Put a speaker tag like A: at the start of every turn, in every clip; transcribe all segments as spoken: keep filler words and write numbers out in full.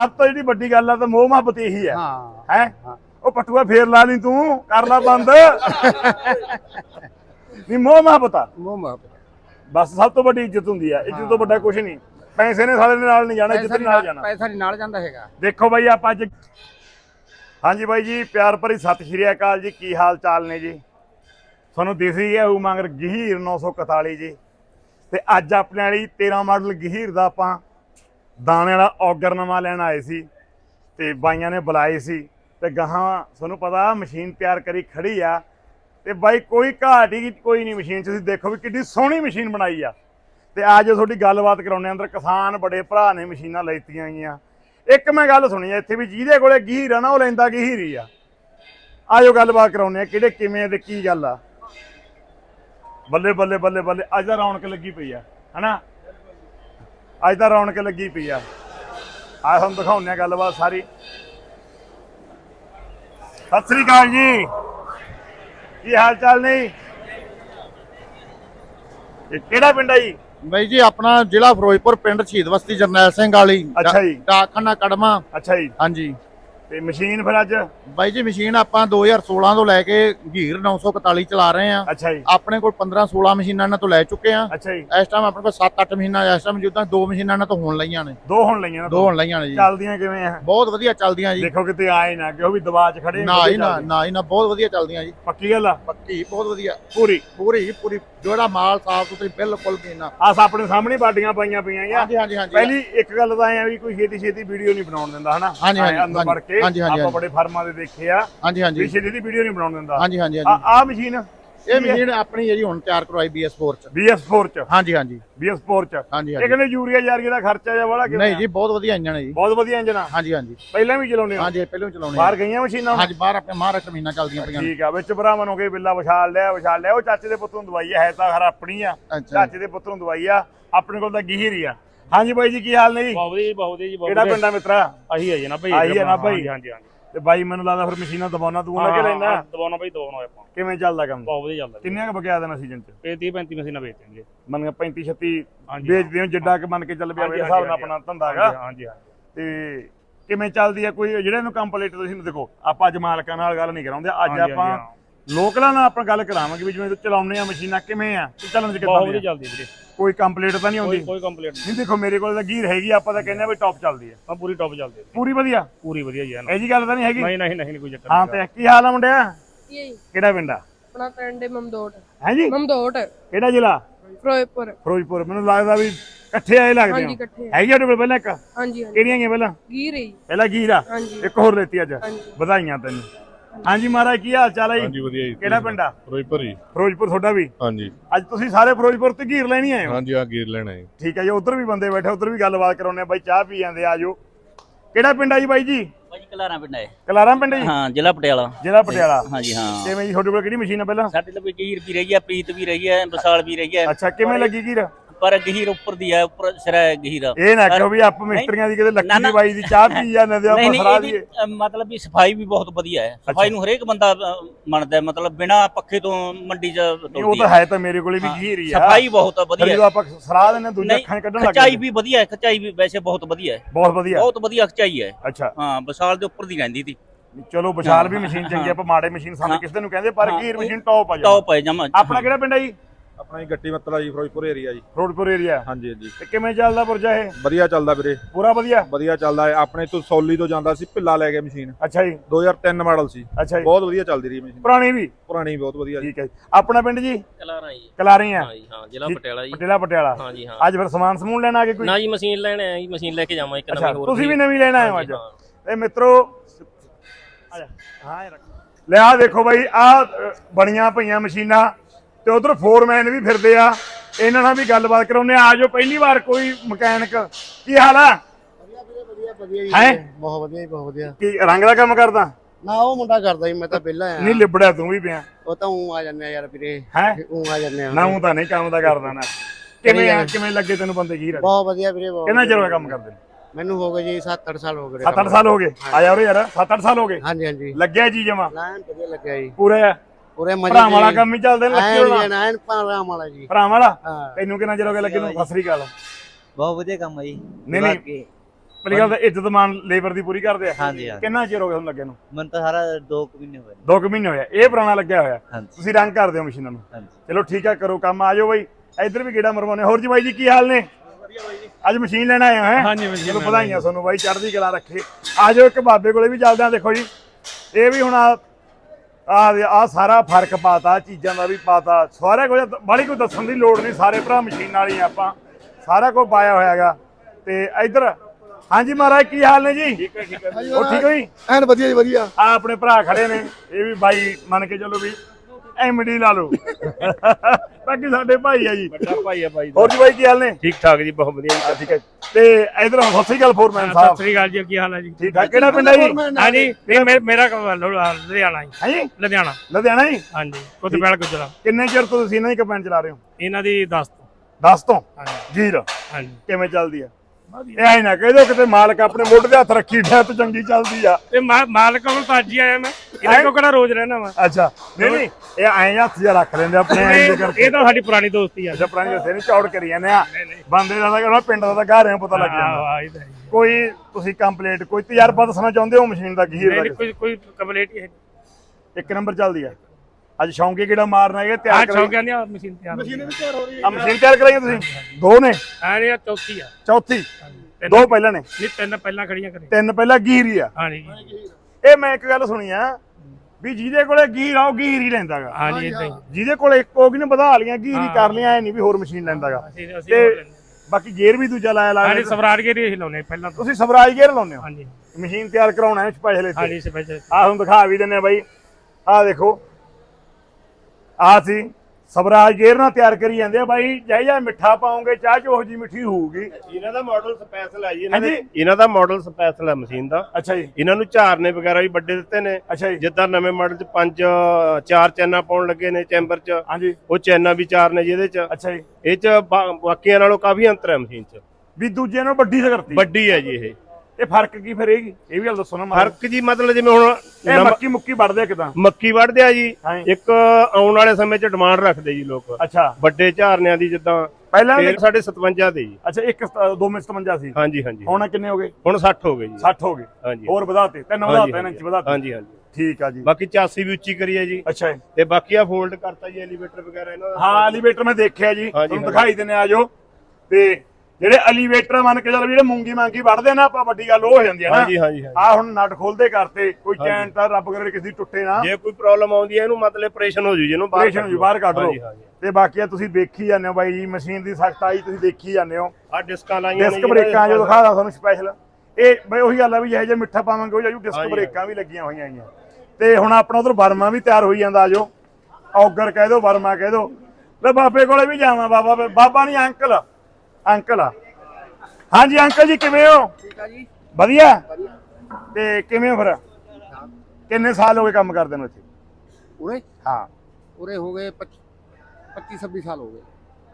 A: ਸਭ ਤੋਂ ਜਿਹੜੀ ਵੱਡੀ ਗੱਲ ਆ ਤਾਂ ਮੋਹ ਮੁਹੱਬਤ ਇਹੀ ਹੈ
B: ਹਾਂ
A: ਹੈ ਉਹ ਪਟੂਆ ਫੇਰ ਲਾ ਲਈ ਤੂੰ ਕਰ ਲਾ ਬੰਦ ਨਹੀਂ ਮੋਹ ਮੁਹੱਬਤ ਆ
B: ਮੋਹ ਮੁਹੱਬਤ
A: ਬਸ ਸਭ ਤੋਂ ਵੱਡੀ ਇੱਜ਼ਤ ਹੁੰਦੀ ਆ ਇੱਜ਼ਤ ਤੋਂ ਵੱਡਾ ਕੁਝ ਨਹੀਂ ਪੈਸੇ ਨੇ ਸਾਰੇ ਦੇ ਨਾਲ ਨਹੀਂ ਜਾਣਾ ਇੱਜ਼ਤ ਨਾਲ ਜਾਣਾ
B: ਪੈਸਾ ਨਹੀਂ ਨਾਲ ਜਾਂਦਾ ਹੈਗਾ
A: ਦੇਖੋ ਬਾਈ ਆਪਾਂ ਅੱਜ ਹਾਂਜੀ ਬਾਈ ਜੀ ਪਿਆਰ ਭਰੀ ਸਤਿ ਸ਼੍ਰੀ ਅਕਾਲ ਜੀ ਕੀ ਹਾਲ ਚਾਲ ਨੇ ਜੀ ਤੁਹਾਨੂੰ ਦਿਸ ਹੀ ਹੈ ਉਹ ਮੰਗਰ ਗਹੀਰ ਨੌ ਸੌ ਇਕਤਾਲੀ ਜੀ ਤੇ ਅੱਜ ਆਪਣੇ ਵਾਲੀ ਤੇਰਾਂ ਮਾਡਲ ਗਹੀਰ ਦਾ ਆਪਾਂ ਦਾਣੇ ਵਾਲਾ ਔਗਰ ਨਵਾਂ ਲੈਣ ਆਏ ਸੀ ਤੇ ਬਾਈਆਂ ਨੇ ਬੁਲਾਏ ਸੀ ਤੇ ਗਾਹਾਂ ਤੁਹਾਨੂੰ ਪਤਾ ਮਸ਼ੀਨ ਤਿਆਰ ਕਰੀ ਖੜੀ ਆ ਤੇ ਬਾਈ ਕੋਈ ਘਾਟ ਹੀ ਕੋਈ ਨਹੀਂ ਮਸ਼ੀਨ 'ਚ ਤੁਸੀਂ ਦੇਖੋ ਵੀ ਕਿੰਨੀ ਸੋਹਣੀ ਮਸ਼ੀਨ ਬਣਾਈ ਆ ਤੇ ਆ ਜੋ ਤੁਹਾਡੀ ਗੱਲਬਾਤ ਕਰਾਉਂਦੇ ਅੰਦਰ ਕਿਸਾਨ ਬੜੇ ਭਰਾ ਨੇ ਮਸ਼ੀਨਾਂ ਲੈਤੀਆਂ ਗਈਆਂ ਇੱਕ ਮੈਂ ਗੱਲ ਸੁਣੀ ਆ ਇੱਥੇ ਵੀ ਜਿਹਦੇ ਕੋਲੇ ਗਹੀਰ ਆ ਨਾ ਉਹ ਲੈਂਦਾ ਗਹੀਰ ਹੀ ਆ ਆਜੋ ਗੱਲਬਾਤ ਕਰਾਉਂਦੇ ਆ ਕਿਹੜੇ ਕਿਵੇਂ ਤੇ ਕੀ ਗੱਲ ਆ ਬੱਲੇ ਬੱਲੇ ਬੱਲੇ ਬੱਲੇ ਅੱਜ ਦਾ ਰੌਣਕ ਲੱਗੀ ਪਈ ਆ ਹਨਾ ਅੱਜ ਦਾ ਰੌਣਕ ਲੱਗੀ ਪਈ ਆ ਆ ਤੁਹਾਨੂੰ ਦਿਖਾਉਂਦੇ ਆ ਗੱਲਬਾਤ ਸਾਰੀ ਸਤਿ ਸ੍ਰੀ ਅਕਾਲ ਜੀ ਕੀ ਹਾਲ ਚਾਲ ਨੇ ਇਹ ਕਿਹੜਾ ਪਿੰਡ ਆ ਜੀ
C: ਬਾਈ ਜੀ ਆਪਣਾ ਜ਼ਿਲ੍ਹਾ ਫਿਰੋਜ਼ਪੁਰ ਪਿੰਡ ਸ਼ਹੀਦ ਬਸਤੀ ਜਰਨੈਲ ਸਿੰਘ ਵਾਲੀ
A: ਅੱਛਾ ਜੀ
C: ਡਾਕਖਾਨਾ ਕੜਮਾ
A: ਅੱਛਾ ਜੀ
C: ਹਾਂਜੀ
A: ਤੇ ਮਸ਼ੀਨ ਫਿਰ ਅੱਜ
C: ਬਾਈ ਜੀ ਮਸ਼ੀਨ ਆਪਾਂ ਦੋ ਹਜ਼ਾਰ ਸੋਲਾਂ ਤੋਂ ਲੈ ਕੇ ਗਹੀਰ ਨੌ ਸੌ ਇਕਤਾਲੀ ਚਲਾ ਰਹੇ ਆ
A: ਅੱਛਾ ਜੀ
C: ਆਪਣੇ ਕੋਲ ਪੰਦਰਾਂ ਸੋਲਾਂ ਮਸ਼ੀਨਾਂ ਇਹਨਾਂ ਤੋਂ ਲੈ ਚੁੱਕੇ ਆ
A: ਅੱਛਾ ਜੀ
C: ਇਸ ਟਾਈਮ ਆਪਣੇ ਕੋਲ ਸੱਤ ਅੱਠ ਮਸ਼ੀਨਾਂ ਇਸ ਟਾਈਮ ਜਿੱਦਾਂ ਦੋ ਮਸ਼ੀਨਾਂ ਇਹਨਾਂ ਤੋਂ ਹੋਣ ਲਈਆਂ ਨੇ
A: ਦੋ ਹੁਣ ਲਈਆਂ ਨਾ
C: ਦੋ ਹੋਣ ਲਈਆਂ ਨੇ ਜੀ
A: ਚੱਲਦੀਆਂ ਕਿਵੇਂ ਆ
C: ਬਹੁਤ ਵਧੀਆ ਚੱਲਦੀਆਂ ਜੀ
A: ਦੇਖੋ ਕਿਤੇ ਆਏ ਨਾ ਕਿ ਉਹ ਵੀ ਦਬਾ ਚ ਖੜੇ
C: ਨਾ ਹੀ ਨਾ ਨਾ ਹੀ ਨਾ ਬਹੁਤ ਵਧੀਆ ਚੱਲਦੀਆਂ ਜੀ
A: ਪੱਕੀ ਗੱਲ ਆ
C: ਪੱਕੀ ਬਹੁਤ ਵਧੀਆ
A: ਪੂਰੀ
C: ਪੂਰੀ ਪੂਰੀ ਜਿਹੜਾ ਮਾਲ ਸਾਫ ਸੁਥਰੀ ਬਿਲਕੁਲ ਵੀ ਨਾ
A: ਆਸ ਆਪਣੇ ਸਾਹਮਣੇ ਬਾਡੀਆਂ ਪਾਈਆਂ ਪਈਆਂ ਆ
C: ਹਾਂਜੀ ਹਾਂਜੀ ਹਾਂਜੀ
A: ਪਹਿਲੀ ਇੱਕ ਗੱਲ ਤਾਂ ਐ ਆ ਵੀ ਕੋਈ ਛੇਤੀ ਛੇਤੀ ਵੀਡੀਓ ਨਹੀਂ ਬਣਾਉਣ ਦਿੰਦਾ ਹਨਾ
C: ਹਾਂਜੀ, ਹਾਂਜੀ,
A: ਅੰਦਰ ਵੜ ਕੇ
C: ਹਾਂਜੀ, ਹਾਂਜੀ,
A: ਆਪਾਂ ਬੜੇ ਫਾਰਮਾਂ ਦੇ ਦੇਖੇ ਆ
C: ਹਾਂਜੀ ਹਾਂਜੀ
A: ਵੀ ਛੇਤੀ ਦੀ ਵੀਡੀਓ ਨਹੀਂ ਬਣਾਉਣ ਦਿੰਦਾ
C: ਹਾਂਜੀ ਹਾਂਜੀ
A: ਆ
C: ਹਾਂਜੀ
A: ਆ ਮਸ਼ੀਨ
C: ਇਹ ਮਸ਼ੀਨ ਆਪਣੀ ਹੈ ਜੀ ਹੁਣ ਤਿਆਰ ਕਰਵਾਈ ਬੀ ਐਸ ਫੋਰ ਚ
A: ਬੀ ਐਸ ਫੋਰ ਚ
C: ਹਾਂਜੀ ਹਾਂਜੀ
A: ਬੀ ਐਸ ਫੋਰ ਚ
C: ਹਾਂਜੀ
A: ਇਹ
C: ਹਾਂਜੀ
A: ਕਹਿੰਦੇ ਯੂਰੀਆ ਯਾਰੀਆ ਦਾ ਖਰਚਾ ਜਾਂ ਵਾਲਾ ਕਿਵੇਂ
C: ਨਹੀਂ ਜੀ ਬਹੁਤ ਵਧੀਆ ਇੰਜਣ ਹੈ ਜੀ
A: ਬਹੁਤ ਵਧੀਆ ਇੰਜਨ ਆ
C: ਹਾਂਜੀ ਹਾਂਜੀ
A: ਪਹਿਲਾਂ ਵੀ ਚਲਾਉਂਦੇ ਹੋ
C: ਹਾਂਜੀ ਪਹਿਲਾਂ ਵੀ ਚਲਾਉਣੇ
A: ਬਾਹਰ ਗਈਆਂ ਮਸ਼ੀਨਾਂ
C: ਹਾਂਜੀ ਬਾਹਰ ਆਪਣੇ ਮਹਾਰਾਸ਼ਟਰ ਮਹੀਨਾ ਚੱਲਦੀਆਂ ਪਈਆਂ
A: ਠੀਕ ਆ ਵਿੱਚ ਭਰਾਵਾਂ ਨੂੰ ਕੇ ਬਿੱਲਾ ਵਿਛਾਲ ਲਿਆ ਵਿਛਾਲ ਲਿਆ ਉਹ ਚਾਚੇ ਦੇ ਪੁੱਤ ਨੂੰ ਦਵਾਈ ਹੈ ਤਾਂ ਹਰ ਆਪਣੀ ਆ
C: ਅੱਛਾ
A: ਚਾਚੇ ਦੇ ਪੁੱਤ ਨੂੰ ਦਵਾਈ ਆ ਆਪਣੇ ਕੋਲ ਤਾਂ ਗਹੀਰ ਹੀ ਆ ਹਾਂਜੀ ਬਾਈ ਜੀ ਕੀ ਹਾਲ ਨੇ ਜੀ
D: ਬਹੁਤ ਵਧੀਆ ਜੀ ਬਹੁਤ ਵਧੀਆ ਜੀ ਬਹੁਤ
A: ਕਿਹੜਾ ਪਿੰਡ ਆ ਮਿੱਤਰਾ
D: ਆਹੀ ਹੈ ਜੀ ਨਾ ਭਾਈ
A: ਆਹੀ ਹੈ ਨਾ ਭਾਈ
D: ਹਾਂਜੀ ਹਾਂਜੀ
A: ਤੇ ਬਾਈ ਮੈਨੂੰ ਲੱਗਦਾ ਫਿਰ ਮਸ਼ੀਨਾਂ ਦਬਾਉਣਾ ਤੂੰ ਲੱਗੇ ਲੈਂਦਾ
D: ਦਵਾਉਣਾ ਭਾਈ ਦਵਾਉਣਾ ਆਪਾਂ
A: ਕਿਵੇਂ ਚੱਲਦਾ ਕੰਮ
D: ਬਹੁਤ ਵਧੀਆ ਚੱਲਦਾ
A: ਕਿੰਨੀਆਂ ਕੁ ਬਕਿਆ ਦੇਣਾ ਸੀਜ਼ਨ ਚ
D: ਇਹ ਤੀਹ ਪੈਂਤੀ ਮਸ਼ੀਨਾਂ ਵੇਚਦੇ ਜੀ
A: ਮੰਨ ਕੇ ਪੈਂਤੀ ਛੱਤੀ
D: ਹਾਂਜੀ,
A: ਵੇਚਦੇ ਹੋ ਜਿੱਡਾ ਕਿ ਮੰਨ ਕੇ ਚੱਲ ਪਿਆ ਮੇਰੇ ਹਿਸਾਬ ਨਾਲ ਆਪਣਾ ਧੰਦਾ ਹੈਗਾ
D: ਹਾਂਜੀ ਹਾਂਜੀ
A: ਤੇ ਕਿਵੇਂ ਚੱਲਦੀ ਆ ਕੋਈ ਜਿਹੜੇ ਨੂੰ ਕੰਪਲੀਟ ਤੁਸੀਂ ਦੇਖੋ ਆਪਾਂ ਅੱਜ ਮਾਲਕਾਂ ਨਾਲ ਗੱਲ ਨਹੀਂ ਕਰਾਉਂਦੇ ਅੱਜ
D: ਹਾਂਜੀ,
A: ਆਪਾਂ
D: ਹਾਂ।
A: ਲੋਕਲਾਂ ਨਾਲ ਆਪਾਂ ਗੱਲ ਕਰਾਵਾਂਗੇ ਵੀ ਜਿਵੇਂ ਚਲਾਉਂਦੇ ਆ ਮਸ਼ੀਨਾਂ ਕਿਵੇਂ ਆ ਤੇ ਚੱਲਣ ਚ
D: ਬਹੁਤ
A: ਕਿੱਦਾਂ
D: ਵਧੀਆ
A: ਦੀ
D: ਚੱਲਦੀ ਵੀਰੇ
A: ਕੋਈ ਕੰਪਲੀਟ ਤਾਂ ਨਹੀਂ
D: ਕੋਈ
A: ਆਉਂਦੀ
D: ਕੋਈ ਕੰਪਲੀਟ
A: ਨਹੀਂ ਦੇਖੋ ਮੇਰੇ ਕੋਲ ਤਾਂ ਗੀਰ ਹੈਗੀ ਆਪਾਂ ਤਾਂ ਕਹਿੰਦੇ ਆ ਵੀ ਟੌਪ ਚੱਲਦੀ ਆ
D: ਹਾਂ ਪੂਰੀ ਟੌਪ ਚੱਲਦੀ
A: ਪੂਰੀ ਵਧੀਆ
D: ਪੂਰੀ ਵਧੀਆ ਜੀ
A: ਇਹ ਜੀ ਗੱਲ ਤਾਂ ਨਹੀਂ ਹੈਗੀ
D: ਨਹੀਂ ਨਹੀਂ ਨਹੀਂ ਕੋਈ ਚੱਕਰ
A: ਹਾਂ ਤੇ ਕੀ ਹਾਲ ਆ ਮੁੰਡਿਆ
E: ਜੀ
A: ਕਿਹੜਾ ਪਿੰਡ ਆ
E: ਆਪਣਾ ਪਿੰਡ ਮਮਦੋਟ
A: ਹੈ ਜੀ
E: ਮਮਦੋਟ
A: ਕਿਹੜਾ ਜ਼ਿਲ੍ਹਾ
E: ਫਿਰੋਜ਼ਪੁਰ
A: ਫਿਰੋਜ਼ਪੁਰ ਮੈਨੂੰ ਲੱਗਦਾ ਵੀ ਇਕੱਠੇ ਆਏ ਲੱਗਦੇ
E: ਹਾਂਜੀ
A: ਹੋ
E: ਇਕੱਠੇ ਆ।
A: ਹੈਗੀ ਤੁਹਾਡੇ ਕੋਲ ਪਹਿਲਾਂ ਇੱਕ
E: ਹਾਂਜੀ ਹਾਂਜੀ
A: ਕਿਹੜੀਆਂ ਗਈਆਂ ਪਹਿਲਾਂ
E: ਗੀਰ ਹੈ ਜੀ।
A: ਪਹਿਲਾਂ ਗੀਰ ਆ
E: ਹਾਂਜੀ
A: ਇੱਕ ਹੋਰ ਲੈਤੀ ਅੱਜ
E: ਹਾਂਜੀ
A: ਵਧਾਈਆਂ ਤੈਨੂੰ ਹਾਂਜੀ ਮਹਾਰਾਜ ਕੀ ਹਾਲ ਚਾਲ ਹੈ ਜੀ
F: ਹਾਂਜੀ ਵਧੀਆ ਜੀ
A: ਕਿਹੜਾ ਪਿੰਡ ਆ
F: ਫਿਰੋਜ਼ਪੁਰ ਜੀ
A: ਫਿਰੋਜ਼ਪੁਰ ਤੁਹਾਡਾ ਵੀ
F: ਹਾਂਜੀ
A: ਅੱਜ ਤੁਸੀਂ ਸਾਰੇ ਫਿਰੋਜ਼ਪੁਰ ਤੇ ਗੀਰ ਲੈਣੀ ਆਏ ਹੋ
F: ਹਾਂਜੀ ਆ ਗੇਰ ਲੈਣਾ ਜੀ
A: ਠੀਕ ਹੈ ਜੀ ਉਧਰ ਵੀ ਬੰਦੇ ਬੈਠੇ ਉਧਰ ਵੀ ਗੱਲਬਾਤ ਕਰਾਉਣੇ ਆ ਬਾਈ ਚਾਹ ਪੀ ਜਾਂਦੇ ਆ ਜਾਓ ਕਿਹੜਾ ਪਿੰਡ ਆ ਜੀ ਬਾਈ ਜੀ
G: ਭਾਜੀ ਕਲਾਰਾਂ ਪਿੰਡ ਹੈ
A: ਕਲਾਰਾਂ ਪਿੰਡ ਜੀ
G: ਹਾਂ ਜ਼ਿਲ੍ਹਾ ਪਟਿਆਲਾ
A: ਜ਼ਿਲ੍ਹਾ ਪਟਿਆਲਾ
G: ਹਾਂਜੀ ਹਾਂ
A: ਕਿਵੇਂ ਜੀ ਤੁਹਾਡੇ ਕੋਲ ਕਿਹੜੀ ਮਸ਼ੀਨ ਆ ਪਹਿਲਾਂ
G: ਸਾਡੇ ਲਈ ਗਹੀਰ ਵੀ ਰਹੀ ਹੈ ਪ੍ਰੀਤ ਵੀ ਰਹੀ ਹੈ ਵਿਸਾਲ ਵੀ ਰਹੀ ਹੈ
A: ਅੱਛਾ ਕਿਵੇਂ ਲੱਗੀ ਗੀਰ
G: ਪਰ ਗਹੀਰ ਉੱਪਰ ਦੀ ਹੈ ਉੱਪਰ ਸਿਰਾ ਹੈ ਗਹੀਰ
A: ਇਹ ਨਾ ਕਹੋ ਵੀ ਆਪ ਮਿਸਤਰੀਆਂ ਦੀ ਕਿਤੇ ਲੱਕੀ ਦੀ ਬਾਈ ਦੀ ਚਾਹ ਪੀ ਜਾਂਦੇ ਤੇ
G: ਨਹੀਂ
A: ਆਪਾਂ
G: ਨਹੀਂ
A: ਸਰਾ
G: ਇਹਦੀ
A: ਦੀਏ
G: ਅ, ਮਤਲਬ ਵੀ ਸਫਾਈ ਵੀ ਬਹੁਤ ਵਧੀਆ ਹੈ ਸਫਾਈ ਨੂੰ ਹਰੇਕ ਬੰਦਾ ਅ, ਮੰਨਦਾ ਹੈ, ਮਤਲਬ ਬਿਨਾ ਪੱਖੇ ਤੋਂ ਮੰਡੀ 'ਚ
A: ਉਹ
G: ਤੁਰਦੀ
A: ਤਾਂ
G: ਹੈ
A: ਹੈ ਤਾਂ ਮੇਰੇ ਕੋਲੇ ਵੀ ਗੀਰ ਹੀ ਆ
G: ਸਫਾਈ ਬਹੁਤ ਵਧੀਆ
A: ਜਦੋਂ
G: ਹੈ
A: ਆਪਾਂ ਸਰਾ ਦਿੰਦੇ ਦੂਜੇ ਅੱਖਾਂ 'ਚ ਕੱਢਣ ਲੱਗ
G: ਖਚਾਈ
A: ਜਾਂਦੇ
G: ਵੀ ਵਧੀਆ ਹੈ ਖਚਾਈ ਵੀ ਵੈਸੇ ਬਹੁਤ ਵਧੀਆ ਹੈ
A: ਬਹੁਤ ਵਧੀਆ
G: ਬਹੁਤ ਵਧੀਆ ਖਚਾਈ ਹੈ
A: ਅੱਛਾ
G: ਹਾਂ ਵਿਸਾਲ ਦੇ ਉੱਪਰ ਦੀ ਰਹਿੰਦੀ ਸੀ
A: ਚਲੋ ਵਿਸ਼ਾਲ ਵੀ ਮਸ਼ੀਨ ਚੰਗੀ ਆ, ਆਪਾਂ ਮਾੜੇ ਮਸ਼ੀਨ ਸਾਨੂੰ ਕਿਸੇ ਨੂੰ ਕਹਿੰਦੇ ਪਰ ਗੀਰ ਮਸ਼ੀਨ ਟੌਪ ਆ ਜੀ
G: ਟੌਪ ਹੈ ਜਮਾ
A: ਆਪਣਾ ਕਿਹੜਾ ਪਿੰਡ ਆ ਜੀ
F: ਆਪਣਾ ਹੀ ਗੱਟੀ ਮੱਤਲਾ ਜੀ ਫਿਰੋਜ਼ਪੁਰ ਏਰੀਆ ਜੀ
A: ਫਿਰੋਜ਼ਪੁਰ ਏਰੀਆ
F: ਹਾਂਜੀ ਹਾਂਜੀ
A: ਤੇ ਕਿਵੇਂ ਚੱਲਦਾ ਪੁਰਜਾ ਇਹ
F: ਵਧੀਆ ਚੱਲਦਾ ਵੀਰੇ
A: ਪੂਰਾ ਵਧੀਆ
F: ਵਧੀਆ ਚੱਲਦਾ ਹੈ ਆਪਣੇ ਤੋਂ ਸੌਲੀ ਤੋਂ ਜਾਂਦਾ ਸੀ ਭਿੱਲਾ ਲੈ ਕੇ ਮਸ਼ੀਨ
A: ਅੱਛਾ ਜੀ
F: ਦੋ ਹਜ਼ਾਰ ਤਿੰਨ ਮਾਡਲ ਸੀ
A: ਅੱਛਾ ਜੀ
F: ਬਹੁਤ ਵਧੀਆ ਚੱਲਦੀ ਰਹੀ ਮਸ਼ੀਨ
A: ਪੁਰਾਣੀ ਵੀ
F: ਪੁਰਾਣੀ ਬਹੁਤ ਵਧੀਆ ਜੀ
A: ਠੀਕ ਹੈ ਜੀ ਆਪਣਾ ਪਿੰਡ ਜੀ
H: ਕਲਾਰਾਂ ਜੀ
A: ਕਲਾਰੇ ਆ
H: ਹਾਂ ਜੀ ਹਾਂ ਜ਼ਿਲ੍ਹਾ ਪਟਿਆਲਾ ਜੀ
A: ਪਟਿਆਲਾ ਪਟਿਆਲਾ
H: ਹਾਂ ਜੀ ਹਾਂ
A: ਅੱਜ ਫਿਰ ਸਮਾਨ ਸਮੂਨ ਲੈਣ ਆ ਕੇ ਕੋਈ
H: ਨਾ ਜੀ ਮਸ਼ੀਨ ਲੈਣ ਆਇਆ ਜੀ ਮਸ਼ੀਨ ਲੈ ਕੇ ਜਾਵਾਂ ਇੱਕ
A: ਅੱਛਾ
H: ਨਵੀਂ ਹੋਰ
A: ਤੁਸੀਂ ਵੀ ਨਵੀਂ ਲੈਣ ਆਏ ਹੋ ਅੱਜ
H: ਹਾਂ।
A: ਤੇ ਮਿੱਤਰੋ ਆ ਜਾ ਹਾਂ ਇਹ ਰੱਖ ਲੈ ਆ ਦੇਖੋ ਬਾਈ ਆ ਬਣੀਆਂ ਪਈਆਂ ਮਸ਼ੀਨਾਂ ਤੇ ਉਧਰ ਫੋਰਮੈਨ ਵੀ ਫਿਰਦੇ ਆ ਇਹਨਾਂ ਨਾਲ ਵੀ ਗੱਲਬਾਤ ਕਰਾਉਂਦੇ ਆ ਆਜੋ ਪਹਿਲੀ ਵਾਰ ਕੋਈ ਮਕੈਨਿਕ ਕੀ ਹਾਲ ਆ
B: ਵਧੀਆ ਵੀਰੇ ਵਧੀਆ ਵਧੀਆ ਜੀ
A: ਹੈਂ?
B: ਬਹੁਤ ਵਧੀਆ ਜੀ ਬਹੁਤ ਵਧੀਆ
A: ਕੀ ਰੰਗ ਦਾ ਕੰਮ ਕਰਦਾ
B: ਨਾ ਉਹ ਮੁੰਡਾ ਕਰਦਾ ਜੀ ਮੈਂ ਤਾਂ ਵਿਹਲਾ ਆ
A: ਨਹੀਂ ਲਿਬੜਿਆ ਤੂੰ ਵੀ ਪਿਆ
B: ਉਹ ਤਾਂ ਉਂ ਆ ਜਾਂਦੇ ਆ ਯਾਰ ਵੀਰੇ
A: ਹੈ
B: ਉਂ ਆ ਜਾਂਦੇ ਆ
A: ਨਾ ਉਹ ਤਾਂ ਨਹੀਂ ਕੰਮ ਦਾ ਕਰਦਾ ਨਾ ਕਿਵੇਂ ਆ ਕਿਵੇਂ ਲੱਗੇ ਤੈਨੂੰ ਬੰਦੇ ਗੀਰ
B: ਬਹੁਤ ਵਧੀਆ ਵੀਰੇ ਬਹੁਤ
A: ਕਿੰਨਾ ਚਿਰ ਹੋਇਆ ਕੰਮ ਕਰਦੇ
B: ਮੈਨੂੰ ਹੋ ਗਏ ਜੀ ਸੱਤ ਅੱਠ ਸਾਲ ਹੋ ਗਏ
A: ਸੱਤ ਅੱਠ ਸਾਲ ਹੋ ਗਏ ਆ ਜਾ ਉਰੇ ਯਾਰ ਸੱਤ ਅੱਠ ਸਾਲ ਹੋ ਗਏ
B: ਹਾਂਜੀ ਹਾਂਜੀ
A: ਲੱਗਿਆ ਜੀ ਜਮਾ
B: ਲਾਇਨ ਵਧੀਆ ਲੱਗਿਆ ਜੀ
A: ਪੂਰੇ
B: ਪੂਰੇ ਮਜ਼ੇ
A: ਭਰਾਵਾਂ ਵਾਲਾ ਕੰਮ ਹੀ ਚੱਲਦੇ ਨੇ ਲੱਗੇ ਹੋਣਾ
B: ਲਾਇਨ ਭਰਾਵਾਂ ਵਾਲਾ ਜੀ
A: ਭਰਾਵਾਂ ਵਾਲਾ
B: ਹਾਂ
A: ਤੈਨੂੰ ਕਿੰਨਾ ਚਿਰ ਹੋ ਗਿਆ ਲੱਗੇ ਨੂੰ ਸਤਿ ਸ੍ਰੀ ਅਕਾਲ
I: ਬਹੁਤ ਵਧੀਆ ਕੰਮ ਹੈ ਜੀ
A: ਨਹੀਂ ਨਹੀਂ ਮੇਰੀ ਗੱਲ ਤਾਂ ਇੱਜ਼ਤਮਾਨ ਲੇਬਰ ਦੀ ਪੂਰੀ ਕਰਦੇ ਆ
I: ਹਾਂਜੀ ਹਾਂਜੀ
A: ਕਿੰਨਾ ਚਿਰ ਹੋ ਗਿਆ ਤੁਹਾਨੂੰ ਲੱਗੇ ਨੂੰ
I: ਮੈਨੂੰ ਤਾਂ ਸਾਰਾ ਦੋ ਕੁ ਮਹੀਨੇ ਹੋਏ ਨੇ।
A: ਦੋ ਕੁ ਮਹੀਨੇ ਹੋਇਆ ਇਹ ਪੁਰਾਣਾ ਲੱਗਿਆ ਹੋਇਆ
I: ਹਾਂਜੀ
A: ਤੁਸੀਂ ਰੰਗ ਕਰਦੇ ਹੋ ਮਸ਼ੀਨਾਂ ਨੂੰ
I: ਹਾਂਜੀ
A: ਚਲੋ ਠੀਕ ਆ ਕਰੋ ਕੰਮ ਆ ਜਾਓ ਬਾਈ ਇੱਧਰ ਵੀ ਗੇੜਾ ਮਰਵਾਉਣੇ ਹੋਰ ਜੀ ਬਾਈ ਜੀ ਕੀ ਹਾਲ ਨੇ ਅੱਜ ਮਸ਼ੀਨ ਲੈਣ ਆਏ ਹੋ ਹੈ
D: ਹਾਂਜੀ ਮਸ਼ੀਨ
A: ਚਲੋ ਵਧਾਈਆਂ ਤੁਹਾਨੂੰ ਬਾਈ ਚੜ੍ਹਦੀ ਕਲਾ ਰੱਖੇ ਆ ਜਾਓ ਇੱਕ ਬਾਬੇ ਕੋਲੇ ਵੀ ਚੱਲਦੇ ਆ ਦੇਖੋ ਜੀ ਇਹ ਵੀ ਹੁਣ ਆ ਆ ਸਾਰਾ ਫਰਕ ਪਾਤਾ ਚੀਜ਼ਾਂ ਦਾ ਵੀ ਪਾਤਾ ਸਾਰਾ ਕੁਝ ਬਾਹਲੀ ਕੋਈ ਦੱਸਣ ਦੀ ਲੋੜ ਨਹੀਂ ਸਾਰੇ ਭਰਾ ਮਸ਼ੀਨ ਵਾਲੀ ਆ ਆਪਾਂ ਸਾਰਾ ਕੁਝ ਪਾਇਆ ਹੋਇਆ ਹੈਗਾ ਤੇ ਇੱਧਰ ਹਾਂਜੀ ਮਹਾਰਾਜ ਕੀ ਹਾਲ ਨੇ ਜੀ ਠੀਕ ਹੈ ਠੀਕ ਹੈ ਉਹ ਠੀਕ ਹੋ ਜੀ
B: ਐਨ ਵਧੀਆ ਜੀ ਵਧੀਆ
A: ਆ ਆਪਣੇ ਭਰਾ ਖੜੇ ਨੇ ਇਹ ਵੀ ਬਾਈ ਮੰਨ ਕੇ ਚੱਲੋ ਵੀ ਐਮਡੀ ਲਾ ਲਓ ਬਾਕੀ ਸਾਡੇ ਭਾਈ ਆ ਜੀ
D: ਵੱਡਾ ਭਾਈ ਆ ਬਾਈ
A: ਹੋਰ ਜੀ ਬਾਈ ਕੀ ਹਾਲ ਨੇ
D: ਠੀਕ ਠਾਕ ਜੀ ਬਹੁਤ ਵਧੀਆ
A: ਹਾਂ, ਠੀਕ ਹੈ ਤੇ ਇਧਰ ਸਤਿ ਸ੍ਰੀ ਅਕਾਲ ਫੋਰਮੈਨ ਸਾਹਿਬ
D: ਸਤਿ ਸ੍ਰੀ ਅਕਾਲ ਜੀ ਕੀ ਹਾਲ ਹੈ ਜੀ
A: ਠੀਕ ਠਾਕ ਕਿਹੜਾ ਪਿੰਡ ਹੈ ਜੀ
D: ਹਾਂਜੀ ਇਹ ਮੇ- ਮੇਰਾ ਕੰਮ ਲੁਧਿਆਣਾ ਜੀ
A: ਹਾਂਜੀ
D: ਲੁਧਿਆਣਾ
A: ਲੁਧਿਆਣਾ ਜੀ
D: ਹਾਂਜੀ ਕੁਤਬੈਲ ਗੁਜਰਾ
A: ਕਿੰਨੇ ਚਿਰ ਤੋਂ ਤੁਸੀਂ ਇਹਨਾਂ ਦੀ ਕੰਪੈਨ ਚਲਾ ਰਹੇ ਹੋ
D: ਇਹਨਾਂ ਦੀ ਦਸ ਤੋਂ
A: ਦਸ ਤੋਂ
D: ਹਾਂਜੀ
A: ਜੀਰ
D: ਹਾਂਜੀ
A: ਕਿਵੇਂ ਚੱਲਦੀ ਆ ਇਹ ਐ ਨਾ ਕਹਿ ਦਿਓ ਕਿਤੇ ਮਾਲਕ ਆਪਣੇ ਮੋਢੇ ਦੇ ਹੱਥ ਰੱਖੀ ਠਿਆ ਤੇ ਚੰਗੀ ਚੱਲਦੀ ਆ
D: ਇਹ ਮਾ- ਮਾਲਕ ਕੋਲ ਤਾਂ ਅੱਜ ਹੀ ਆਇਆ ਮੈਂ ਇਹਨਾਂ ਕੋਲ ਕਿਹੜਾ ਰੋਜ਼ ਰਹਿਣਾ ਵਾ
A: ਅੱਛਾ ਨਹੀਂ ਨਹੀਂ ਇਹ ਐਂ ਹੱਥ ਜਿਹਾ ਰੱਖ ਲੈਂਦੇ ਆਪਣੇ ਐਂ ਜੇ ਕਰਕੇ
D: ਇਹ ਤਾਂ ਸਾਡੀ ਪੁਰਾਣੀ ਦੋਸਤੀ ਆ
A: ਅੱਛਾ ਪੁਰਾਣੀ ਦੱਸੇ ਨਹੀਂ ਚੌੜ ਕਰੀ ਜਾਂਦੇ ਆ ਬੰਦੇ ਦਾ ਤਾਂ ਕਹਿੰਦਾ ਪਿੰਡ ਦਾ ਤਾਂ ਘਰ ਹੈ ਪਤਾ ਲੱਗ ਜਾਂਦਾ
D: ਆਹ ਇਹ ਤਾਂ ਹੈ ਜੀ।
A: ਕੋਈ ਤੁਸੀਂ ਕੰਪਲੀਟ ਕੋਈ ਤਜਰਬਾ ਦੱਸਣਾ ਚਾਹੁੰਦੇ ਹੋ ਮਸ਼ੀਨ ਦਾ ਗੀਰ
D: ਨਹੀਂ
A: ਦਾ
D: ਕੋਈ ਕੋਈ ਕੰਪਲੀਟ ਹੀ ਹੈ
A: ਇੱਕ ਨੰਬਰ ਚੱਲਦੀ ਆ ਅੱਜ ਸ਼ੌਂਕੀ ਕਿਹੜਾ ਮਾਰਨਾ ਹੈਗਾ
D: ਆ
A: ਤਿਆਰ ਕਰਾਈ
D: ਚੌਕਿਆਂ ਦੀ ਮਸ਼ੀਨ ਤਿਆਰ ਮਸ਼ੀਨ
A: ਆ ਮਸ਼ੀਨ ਤਿਆਰ ਕਰਾਈ ਤੁਸੀਂ ਦੋ ਨੇ
D: ਆ ਇਹ ਚੌਥੀ ਆ
A: ਚੌਥੀ
D: ਤਿੰਨ-
A: ਦੋ ਪਹਿਲਾਂ ਨੇ
D: ਨਹੀਂ ਤਿੰਨ ਪਹਿਲਾਂ ਖੜੀਆਂ ਕਰੇ
A: ਤਿੰਨ ਪਹਿਲਾਂ ਗੀਰ ਹੀ ਆ
D: ਹਾਂਜੀ
A: ਇਹ ਮੈਂ ਇੱਕ ਗੱਲ ਸੁਣੀ ਆ ਵੀ ਜਿਹਦੇ ਕੋਲੇ ਗੀਰ ਆ ਉਹ ਗੀਰ ਹੀ ਲੈਂਦਾਗਾ
D: ਹਾਂਜੀ ਇਦਾਂ ਹੀ
A: ਜਿਹਦੇ ਕੋਲੇ ਇੱਕ ਹੋਗੀ ਨੇ ਵਧਾ ਲੀਆਂ ਗੀਰ ਹੀ ਕਰ ਲਿਆ ਐ ਨਹੀਂ ਵੀ ਹੋਰ ਮਸ਼ੀਨ ਲੈਂਦਾਗਾ
D: ਅਸੀਂ ਅਸੀਂ
A: ਤੇ ਬਾਕੀ ਗੇਅਰ ਵੀ ਦੂਜਾ ਲਾਇਆ
D: ਹਾਂਜੀ
A: ਲਾਇਆ
D: ਸਵਰਾਜ ਗੇਰੀ ਅਸੀਂ ਲਾਉਨੇ ਪਹਿਲਾਂ ਤੋਂ
A: ਤੁਸੀਂ ਸਵਰਾਜ ਗੇਅਰ ਲਾਉਂਦੇ ਹੋ
D: ਹਾਂਜੀ
A: ਮਸ਼ੀਨ ਤਿਆਰ ਕਰਾਉਣਾ ਹੈ ਸਪੈਸ਼ਲ ਇੱਥੇ
D: ਹਾਂਜੀ ਸਪੈਸ਼ਲ
A: ਆਹ ਤੁਹਾਨੂੰ ਦਿਖਾ ਵੀ ਦਿੰਨੇ ਬਾਈ ਆਹ ਦੇਖੋ ਆਹ ਸੀ ਸਵਰਾਜ ਗੇਅਰ ਨਾਲ ਤਿਆਰ ਕਰੀ ਜਾਂਦੇ ਆ ਬਾਈ ਜਾਈ ਜਾ ਮਿੱਠਾ ਪਾਉਂਗੇ ਚਾਹ ਚ ਉਹੋ ਜੀ ਮਿੱਠੀ ਹੋਊਗੀ
J: ਇਹਨਾਂ ਦਾ ਮਾਡਲ ਸਪੈਸ਼ਲ ਹੈ ਜੀ ਇਹਨਾਂ
A: ਹਾਂਜੀ
J: ਦੇ ਇਹਨਾਂ ਦਾ ਮਾਡਲ ਸਪੈਸ਼ਲ ਹੈ ਮਸ਼ੀਨ ਦਾ
A: ਅੱਛਾ ਜੀ
J: ਇਹਨਾਂ ਨੂੰ ਝਾਰਨੇ ਵਗੈਰਾ ਵੀ ਵੱਡੇ ਦਿੱਤੇ ਨੇ
A: ਅੱਛਾ ਜੀ
J: ਜਿੱਦਾਂ ਨਵੇਂ ਮਾਡਲ ਚ ਪੰਜ ਚਾਰ ਚੈਨਾ ਪਾਉਣ ਲੱਗੇ ਨੇ ਚੈਂਬਰ ਚ
A: ਹਾਂਜੀ
J: ਉਹ ਚੈਨਾ ਵੀ ਚਾਰ ਨੇ ਜਿਹਦੇ ਚ
A: ਅੱਛਾ ਜੀ
J: ਇਹ ਚ ਬਾ- ਬਾਕੀਆਂ ਨਾਲੋਂ ਕਾਫੀ ਅੰਤਰ ਹੈ ਮਸ਼ੀਨ ਚ
A: ਵੀ ਦੂਜੇ ਨੂੰ ਵੱਡੀ ਕਰਤੀ
J: ਵੱਡੀ ਹੈ ਜੀ ਇਹ
A: ਇਹ ਫਰਕ ਕੀ ਫਿਰ ਇਹ ਇਹ ਵੀ ਗੱਲ ਦੱਸੋ ਨਾ ਮਾੜਾ।
J: ਫਰਕ ਜੀ ਮਤਲਬ ਜਿਵੇਂ ਹੁਣ
A: ਇਹ
J: ਨਵਾਂ-
A: ਮੱਕੀ ਮੁੱਕੀ ਵੱਢਦੇ ਕਿਦਾਂ
J: ਮੱਕੀ ਵੱਢਦੇ ਆ ਜੀ
A: ਹਾਂ
J: ਇੱਕ ਆਉਣ ਵਾਲੇ ਸਮੇਂ ਚ ਡਿਮਾਂਡ ਰੱਖਦੇ ਜੀ ਲੋਕ
A: ਅੱਛਾ
J: ਵੱਡੇ ਝਾਰਨਿਆਂ ਦੀ ਜਿੱਦਾਂ
A: ਪਹਿਲਾਂ
J: ਇਹ ਸਾਡੇ ਸਤਵੰਜਾ ਦੇ ਜੀ
A: ਅੱਛਾ ਇੱਕ ਸਤ- ਦੋ ਮਿੰਟ ਸਤਵੰਜਾ ਸੀ
J: ਹਾਂਜੀ ਹਾਂਜੀ
A: ਹੁਣ ਕਿੰਨੇ ਹੋ ਗਏ
J: ਹੁਣ ਸੱਠ ਹੋ ਗਏ ਜੀ
A: ਸੱਠ ਹੋ ਗਏ
J: ਹਾਂਜੀ
A: ਹੋਰ ਵਧਾਤੇ ਤਿੰਨ
J: ਹਾਂਜੀ,
A: ਵਧਾਤੇ ਇਹਨਾਂ ਚ ਵਧਾਤੇ
J: ਹਾਂਜੀ ਹਾਂਜੀ
A: ਠੀਕ ਆ ਜੀ
J: ਬਾਕੀ ਚਾਸੀ ਵੀ ਉੱਚੀ ਕਰੀ ਹੈ ਜੀ
A: ਅੱਛਾ ਜੀ
J: ਤੇ ਬਾਕੀ ਆ ਫੋਲਡ ਕਰਤਾ ਜੀ ਐਲੀਵੇਟਰ ਵਗੈਰਾ ਇਹਨਾਂ ਦਾ
A: ਹਾਂ ਐਲੀਵੇਟਰ ਮੈਂ ਦੇਖਿਆ ਜੀ
J: ਹਾਂਜੀ,
A: ਤੁਹਾਨੂੰ
J: ਹਾਂਜੀ।
A: ਦਿਖਾਈ ਦਿੰਨੇ ਆ ਜਾਓ ਤੇ ਜਿਹੜੇ ਐਲੀਵੇਟਰ ਮੰਨ ਕੇ ਚੱਲ ਜਿਹੜੇ ਮੂੰਗੀ ਮਾਂਗੀ ਵੱਢਦੇ ਨਾ ਆਪਾਂ ਵੱਡੀ ਗੱਲ ਉਹ ਹੋ ਜਾਂਦੀ ਹੈ ਨਾ
J: ਹਾਂਜੀ ਹਾਂਜੀ ਹਾਂਜੀ
A: ਆ ਹੁਣ ਨਟ ਖੋਲਦੇ ਕਰਤੇ ਕੋਈ ਚੈਨ ਤਾਂ ਰੱਬ ਕਰੇ ਕਿਸੇ ਦੀ ਟੁੱਟੇ ਨਾ
J: ਜੇ ਕੋਈ ਪ੍ਰੋਬਲਮ ਆਉਂਦੀ ਹੈ ਇਹਨੂੰ ਮਤਲਬ ਆਪਰੇਸ਼ਨ ਹੋ ਜੂ ਜਿਹਨੂੰ
A: ਆਪਰੇਸ਼ਨ ਜੀ ਬਾਹਰ ਕੱਢ ਲਓ
J: ਹਾਂਜੀ, ਹਾਂਜੀ।
A: ਤੇ ਬਾਕੀ ਆ ਤੁਸੀਂ ਦੇਖੀ ਜਾਂਦੇ ਹੋ ਬਾਈ ਜੀ ਮਸ਼ੀਨ ਦੀ ਸਖਤਾਈ ਤੁਸੀਂ ਦੇਖੀ ਜਾਂਦੇ ਹੋ
J: ਆ ਡਿਸਕਾਂ ਲਾਈਆਂ
A: ਡਿਸਕ ਬ੍ਰੇਕਾਂ ਜੋ ਦਿਖਾਦਾ ਤੁਹਾਨੂੰ ਸਪੈਸ਼ਲ ਇਹ ਬਈ ਉਹੀ ਗੱਲ ਆ ਵੀ ਜਿਹੇ ਜੇ ਮਿੱਠਾ ਪਾਵਾਂਗੇ ਉਹ ਜਾਊ ਡਿਸਕ
J: ਹਾਂਜੀ,
A: ਬ੍ਰੇਕਾਂ ਵੀ ਲੱਗੀਆਂ ਹੋਈਆਂ ਆਈਆਂ ਤੇ ਹੁਣ ਆਪਣਾ ਉਧਰ ਵਰਮਾ ਵੀ ਤਿਆਰ ਹੋਈ ਜਾਂਦਾ ਆਜੋ ਔਗਰ ਕਹਿ ਦੋ ਵਰਮਾ ਕਹਿ ਦੋ ਲੈ ਬਾਬੇ ਕੋਲੇ ਵੀ ਜਾਵਾਂ ਬਾਬਾ ਬਾਬਾ ਨਹੀਂ ਅੰਕਲ ਅੰਕਲ ਆ ਹਾਂਜੀ ਅੰਕਲ ਜੀ ਕਿਵੇਂ ਹੋ
B: ਠੀਕ ਆ ਜੀ
A: ਵਧੀਆ ਤੇ ਕਿਵੇਂ ਹੋ ਫਿਰ ਕਿੰਨੇ ਸਾਲ ਹੋ ਗਏ ਕੰਮ ਕਰਦੇ ਨੂੰ ਇੱਥੇ
B: ਉਰੇ
A: ਹਾਂ
B: ਉਰੇ ਹੋ ਗਏ ਪੱਚੀ ਛੱਬੀ ਸਾਲ ਹੋ ਗਏ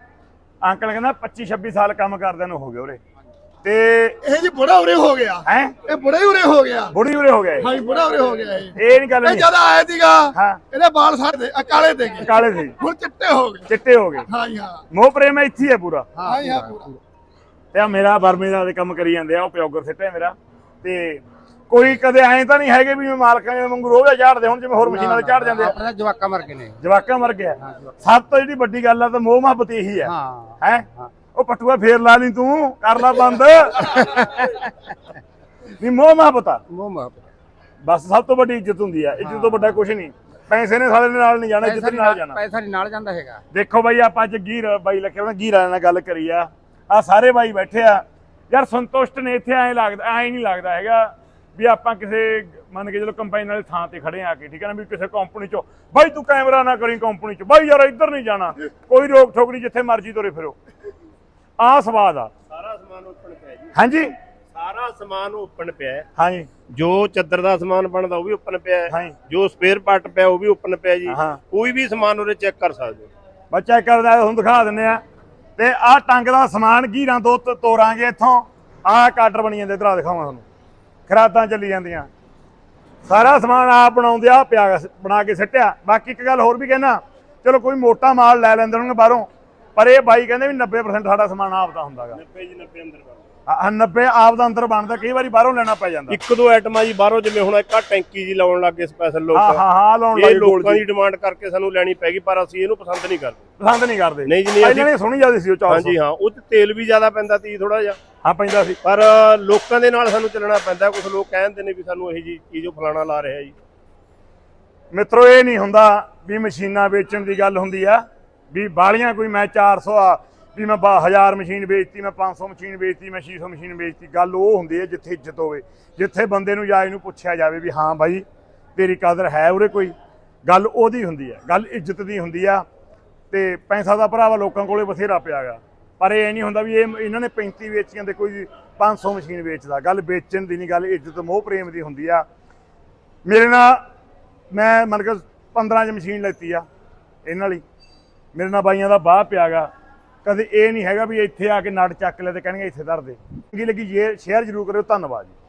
A: ਅੰਕਲ ਕਹਿੰਦਾ ਪੱਚੀ ਛੱਬੀ ਸਾਲ ਕੰਮ ਕਰਦਿਆਂ ਨੂੰ ਹੋ ਗਏ ਉਰੇ ਤੇ
B: ਇਹ ਜੀ ਬੜਾ ਉਰੇ ਹੋ ਗਿਆ
A: ਹੈ
B: ਇਹ ਬੜਾ ਹੀ ਉਰੇ ਹੋ ਗਿਆ
A: ਬੁੜੀ ਉਰੇ ਹੋ ਗਏ
B: ਹਾਂਜੀ ਬੜਾ ਉਰੇ ਹੋ ਗਿਆ ਇਹ
A: ਇਹ ਨਹੀਂ ਗੱਲ
B: ਇਹ
A: ਨਹੀਂ
B: ਜਦ ਆਇਆ ਸੀਗਾ
A: ਹਾਂ
B: ਇਹਦੇ ਵਾਲ ਸਾਡੇ ਕਾਲੇ ਦੇ ਗਏ
A: ਕਾਲੇ ਸੀ
B: ਹੁਣ ਚਿੱਟੇ ਹੋ ਗਏ
A: ਚਿੱਟੇ ਹੋ ਗਏ
B: ਹਾਂਜੀ ਹਾਂ
A: ਮੋਹ ਪ੍ਰੇਮ ਇੱਥੇ ਹੀ ਹੈ ਪੂਰਾ
B: ਹਾਂਜੀ ਹਾਂ ਪੂਰਾ
A: ਤੇ ਆ ਮੇਰਾ ਬਰਮੇ ਦਾ ਕੰਮ ਕਰੀ ਜਾਂਦੇ ਆ ਉਹ ਪਿਓਗਰ ਸਿੱਟੇ ਮੇਰਾ ਤੇ ਕੋਈ ਕਦੇ ਐਂ ਤਾਂ ਨਹੀਂ ਹੈਗੇ ਵੀ ਮਾਲਕਾਂ ਦੇ ਵਾਂਗੂ ਰੋਜ਼ ਝਾੜਦੇ ਹੁਣ ਜਿਵੇਂ ਹੋਰ ਮਸ਼ੀਨਾਂ ਤੇ ਝਾੜ ਜਾਂਦੇ ਆ
B: ਆਪਣਾ ਜਵਾਕਾ ਮਰ ਗਏ ਨੇ
A: ਜਵਾਕਾਂ ਮਰ ਗਿਆ ਸਭ ਤੋਂ ਜਿਹੜੀ ਵੱਡੀ ਗੱਲ ਆ ਤਾਂ ਮੋਹ ਮੁਹੱਬਤ ਇਹੀ ਆ
B: ਹਾਂ
A: ਹੈ ਉਹ ਪਟੂਆ ਫੇਰ ਲਾ ਲਈ ਤੂੰ ਕਰ ਲਾ ਬੰਦ ਨਹੀਂ ਮੋਹ ਮੁਹੱਬਤ ਆ
B: ਮੋਹ ਮਾਪ
A: ਬਸ ਸਭ ਤੋਂ ਵੱਡੀ ਇੱਜ਼ਤ ਹੁੰਦੀ ਆ ਇੱਜ਼ਤ ਤੋਂ ਵੱਡਾ ਕੁਝ ਨਹੀਂ ਪੈਸੇ ਨੇ ਸਾਰੇ ਦੇ ਨਾਲ ਨਹੀਂ ਜਾਣਾ ਇੱਜ਼ਤ ਦੇ ਨਾਲ ਜਾਣਾ
B: ਪੈਸਾ ਨਹੀਂ ਨਾਲ ਜਾਂਦਾ ਹੈਗਾ
A: ਦੇਖੋ ਬਾਈ ਆਪਾਂ ਅੱਜ ਗੀਰ ਬਾਈ ਲੱਖੇ ਉਹਨਾਂ ਗੀਰ ਵਾਲਿਆਂ ਨਾਲ ਗੱਲ ਕਰੀ ਆ ਆ ਸਾਰੇ ਬਾਈ ਬੈਠੇ ਆ ਯਾਰ ਸੰਤੁਸ਼ਟ ਨੇ ਇੱਥੇ ਐਂ ਲੱਗਦਾ ਐਂ ਨਹੀਂ ਲੱਗਦਾ ਹੈਗਾ ਵੀ ਆਪਾਂ ਕਿਸੇ ਮੰਨ ਕੇ ਚਲੋ ਕੰਪਾਈਨ ਵਾਲੀ ਥਾਂ ਤੇ ਖੜੇ ਆ ਕੇ ਠੀਕ ਹੈ ਨਾ ਵੀ ਕਿਸੇ ਕੰਪਨੀ ਚੋਂ ਬਾਈ ਤੂੰ ਕੈਮਰਾ ਨਾ ਕਰੀ ਕੰਪਨੀ ਚ ਬਾਈ ਯਾਰ ਇੱਧਰ ਨਹੀਂ ਜਾਣਾ ਕੋਈ ਰੋਕ ਠੋਕ ਨਹੀਂ ਜਿੱਥੇ ਮਰਜ਼ੀ ਤੁਰੇ ਫਿਰੋ ਆਹ ਸਵਾਦ ਆ
J: ਸਾਰਾ ਸਮਾਨ ਓਪਨ ਪਿਆ ਜੀ
A: ਹਾਂਜੀ
J: ਸਾਰਾ ਸਮਾਨ ਓਪਨ ਪਿਆ ਹੈ।
A: ਹਾਂਜੀ
J: ਜੋ ਚੱਦਰ ਦਾ ਸਮਾਨ ਬਣਦਾ ਉਹ ਵੀ ਓਪਨ ਪਿਆ ਹੈ।
A: ਹਾਂਜੀ
J: ਜੋ ਸਪੇਅਰ ਪਾਰਟ ਪਿਆ ਉਹ ਵੀ ਓਪਨ ਪਿਆ ਜੀ
A: ਹਾਂ
J: ਕੋਈ ਵੀ ਸਮਾਨ ਉਰੇ ਚੈੱਕ ਕਰ ਸਕਦੇ ਹੋ
A: ਬੱਚਾ ਕਰਦਾ ਤੁਹਾਨੂੰ ਦਿਖਾ ਦਿੰਨੇ ਆ ਤੇ ਆਹ ਟੰਗ ਦਾ ਸਮਾਨ ਗੀਰਾਂ ਦੋ ਤ- ਤੋਰਾਂਗੇ ਇੱਥੋਂ ਆਹ ਕਾਟਰ ਬਣੀ ਜਾਂਦੇ ਇਧਰ ਦਿਖਾਵਾਂ ਤੁਹਾਨੂੰ ਖਰਾਦਾਂ ਚੱਲੀ ਜਾਂਦੀਆਂ ਸਾਰਾ ਸਮਾਨ ਆਪ ਬਣਾਉਂਦੇ ਆ ਪਿਆ ਸ- ਬਣਾ ਕੇ ਸਿੱਟਿਆ ਬਾਕੀ ਇੱਕ ਗੱਲ ਹੋਰ ਵੀ ਕਹਿਣਾ ਚਲੋ ਕੋਈ ਮੋਟਾ ਮਾਲ ਲੈ ਲੈਂਦੇ ਹੋਣਗੇ ਬਾਹਰੋਂ ਪਰ ਇਹ ਬਾਈ ਕਹਿੰਦੇ ਵੀ ਨੱਬੇ ਪਰਸੈਂਟ ਸਾਡਾ ਸਮਾਨ ਆਪ ਦਾ ਹੁੰਦਾਗਾ
J: ਨੱਬੇ ਜੀ ਨੱਬੇ ਅੰਦਰ
A: ਆ ਨੱਬੇ ਆਪ ਦਾ ਅੰਦਰ ਬਣਦਾ, ਕਈ ਵਾਰੀ ਬਾਹਰੋਂ ਲੈਣਾ ਪੈ ਜਾਂਦਾ।
J: ਇੱਕ ਦੋ ਆਈਟਮਾਂ ਜੀ ਬਾਹਰੋਂ, ਜਿਵੇਂ ਹੁਣ ਇੱਕ ਆ ਟੈਂਕੀ ਜੀ ਲਾਉਣ ਲੱਗੇ ਸਪੈਸ਼ਲ ਲੋਕ,
A: ਹਾਂ ਹਾਂ ਹਾਂ ਲਾਉਣ
J: ਇਹ
A: ਲੱਗੇ
J: ਲੋਕਾਂ ਦੀ ਡਿਮਾਂਡ ਕਰਕੇ ਸਾਨੂੰ ਲੈਣੀ ਪੈਗੀ, ਪਰ ਅਸੀਂ ਇਹਨੂੰ ਪਸੰਦ ਨਹੀਂ ਕਰਦੇ।
A: ਪਸੰਦ ਨਹੀਂ ਕਰਦੇ
J: ਨਹੀਂ ਜੀ, ਨਹੀਂ
A: ਪਹਿਲਾਂ ਨਹੀਂ ਸੁਣੀ ਜਾਂਦੀ ਸੀ ਉਹ ਚਾਰ ਸੌ।
J: ਹਾਂਜੀ ਹਾਂ, ਉਹ 'ਚ ਤੇਲ ਵੀ ਜ਼ਿਆਦਾ ਪੈਂਦਾ ਤੀ ਥੋੜਾ ਜਿਹਾ,
A: ਹਾਂ ਪੈਂਦਾ ਸੀ,
J: ਪਰ ਲੋਕਾਂ ਦੇ ਨਾਲ ਸਾਨੂੰ ਚੱਲਣਾ ਪੈਂਦਾ। ਕੁਝ ਲੋਕ ਕਹਿੰਦੇ ਨੇ ਵੀ ਸਾਨੂੰ ਇਹ ਜੀ ਚੀਜ਼ ਉਹ ਫਲਾਣਾ ਲਾ ਰਿਹਾ ਜੀ।
A: ਮਿੱਤਰੋ ਇਹ ਨਹੀਂ ਹੁੰਦਾ ਵੀ ਮਸ਼ੀਨਾਂ ਵੇਚਣ ਦੀ ਗੱਲ ਹੁੰਦੀ ਆ ਵੀ ਬਾਲੀਆਂ ਕੋਈ ਮੈਂ ਚਾਰ ਸੌ ਆ ਵੀ ਮੈਂ ਹਜ਼ਾਰ ਮਸ਼ੀਨ ਵੇਚਤੀ, ਮੈਂ ਪੰਜ ਸੌ ਮਸ਼ੀਨ ਵੇਚਤੀ, ਮੈਂ ਛੇ ਸੌ ਮਸ਼ੀਨ ਵੇਚਤੀ। ਗੱਲ ਉਹ ਹੁੰਦੀ ਹੈ ਜਿੱਥੇ ਇੱਜ਼ਤ ਹੋਵੇ, ਜਿੱਥੇ ਬੰਦੇ ਨੂੰ ਜਾਂ ਇਹਨੂੰ ਪੁੱਛਿਆ ਜਾਵੇ ਵੀ ਹਾਂ ਬਾਈ ਤੇਰੀ ਕਦਰ ਹੈ ਉਰੇ ਕੋਈ, ਗੱਲ ਉਹਦੀ ਹੁੰਦੀ ਹੈ, ਗੱਲ ਇੱਜ਼ਤ ਦੀ ਹੁੰਦੀ ਆ। ਤੇ ਪੈਸਾ ਦਾ ਭਰਾਵਾ ਲੋਕਾਂ ਕੋਲੇ ਬਥੇਰਾ ਪਿਆ ਗਾ, ਪਰ ਇਹ ਨਹੀਂ ਹੁੰਦਾ ਵੀ ਇਹ ਇਹਨਾਂ ਨੇ ਪੈਂਤੀ ਵੇਚੀਆਂ ਤੇ ਕੋਈ ਪੰਜ ਸੌ ਮਸ਼ੀਨ ਵੇਚਦਾ। ਗੱਲ ਵੇਚਣ ਦੀ ਨਹੀਂ, ਗੱਲ ਇੱਜ਼ਤ ਮੋਹ ਪ੍ਰੇਮ ਦੀ ਹੁੰਦੀ ਆ। ਮੇਰੇ ਨਾਲ ਮੈਂ ਮੰਨ ਕੇ ਪੰਦਰਾਂ 'ਚ ਮਸ਼ੀਨ ਲੈਤੀ ਆ ਇਹਨਾਂ ਵਾਲੀ, ਮੇਰੇ ਨਾਲ ਬਾਈਆਂ ਦਾ ਬਾਹ ਪਿਆ ਗਾ। ਕਦੇ ਇਹ ਨਹੀਂ ਹੈਗਾ ਵੀ ਇੱਥੇ ਆ ਕੇ ਨਟ ਚੱਕ ਲੈ ਤੇ ਕਹਿਣਗੇ ਇੱਥੇ ਧਰ ਦੇ। ਚੰਗੀ ਲੱਗੀ ਜੇ ਸ਼ੇਅਰ ਜ਼ਰੂਰ ਕਰਿਓ। ਧੰਨਵਾਦ ਜੀ।